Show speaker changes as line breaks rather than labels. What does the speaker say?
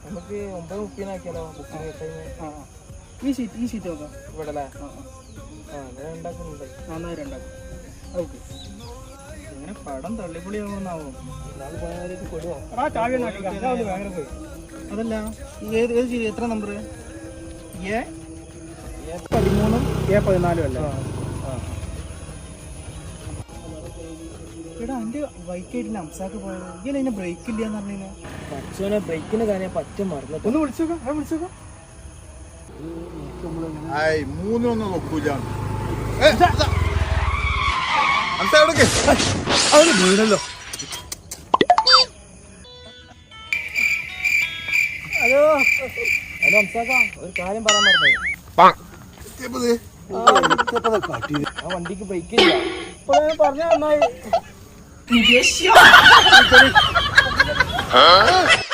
നമുക്ക് 9:30 booking time.
ഈ seat നോക്കാം
ഇവിടെ അല്ലേ? ഉണ്ടാക്കുന്നുണ്ട്.
ഓക്കെ. ഇങ്ങനെ പടം തള്ളിപ്പൊളിയാവുന്നാവോ?
കൊടുവോ?
അതല്ല ഏത് സീറ്റ് എത്ര നമ്പർ? A13 A14 അല്ലേ? എടാ എൻ്റെ ബൈക്കായിട്ടില്ല അംസാക്ക് പോയത്. ഇങ്ങനെ അതിന് ബ്രേക്ക് ഇല്ല എന്ന് പറഞ്ഞു.
പച്ചോനെ ബ്രേക്കിന് കാര്യം പറ്റ മറന്നു.
ഒന്ന് വിളിച്ചോക്കാം.
മൂന്നൊന്നും നോക്കൂല.
വീണല്ലോ.
ഹലോ അംസാക്ക, ഒരു കാര്യം പറയാൻ മറന്നു. ആ വണ്ടിക്ക് ബ്രേക്ക് ഇല്ല. പറഞ്ഞ നന്നായി.